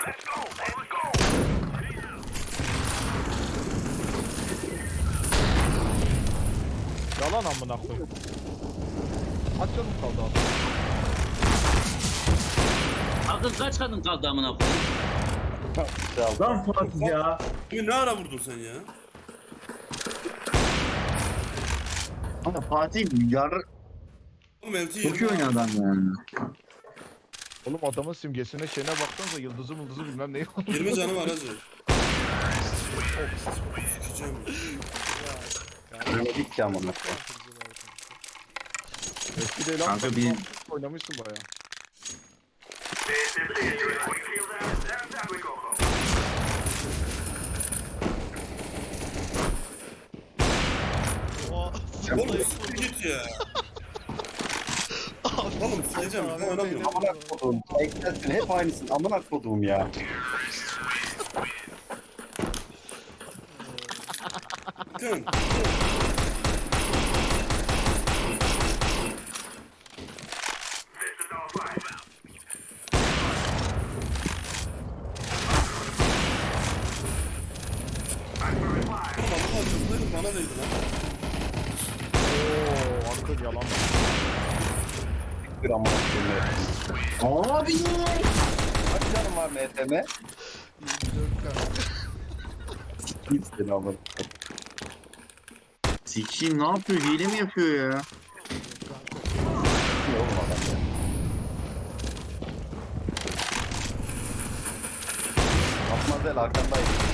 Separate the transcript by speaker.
Speaker 1: Yalan amına koyayım. Kaç canım kaldı abi?
Speaker 2: Akıl kaç kadın kaldı amına koyayım?
Speaker 3: Lan Fatih ya.
Speaker 4: Bugün ne ara vurdun sen ya?
Speaker 5: Ama Fatih yar
Speaker 4: Oğlum LT
Speaker 5: çok iyi oynuyor adam yani.
Speaker 1: Oğlum adamın simgesine şeyine baksanıza yıldızı mıldızı bilmem neyi oldu.
Speaker 4: 20 canı var hacı. Sikeceğim.
Speaker 5: Oynadık ki amına.
Speaker 1: Eski değil
Speaker 5: Kanka
Speaker 1: abi.
Speaker 5: bir-
Speaker 1: Oynamışsın baya.
Speaker 4: Oğlum siktir git ya. Oğlum sikeceğim. Ben oynamıyorum.
Speaker 5: Amına koduğum. Eklersin hep aynısın. Amına koduğum ya.
Speaker 4: Bakın. Oğlum bana değdi lan.
Speaker 1: Ooo Arkın yalan.
Speaker 5: Bir amına koduğum. Abi. Kaç canım var MTM?
Speaker 6: 24 kanka.
Speaker 5: Hiç seni amına. Sikiyim ne yapıyor? Hile mi yapıyor ya? Yok oğlum adam ya. Atmazel arkandayım.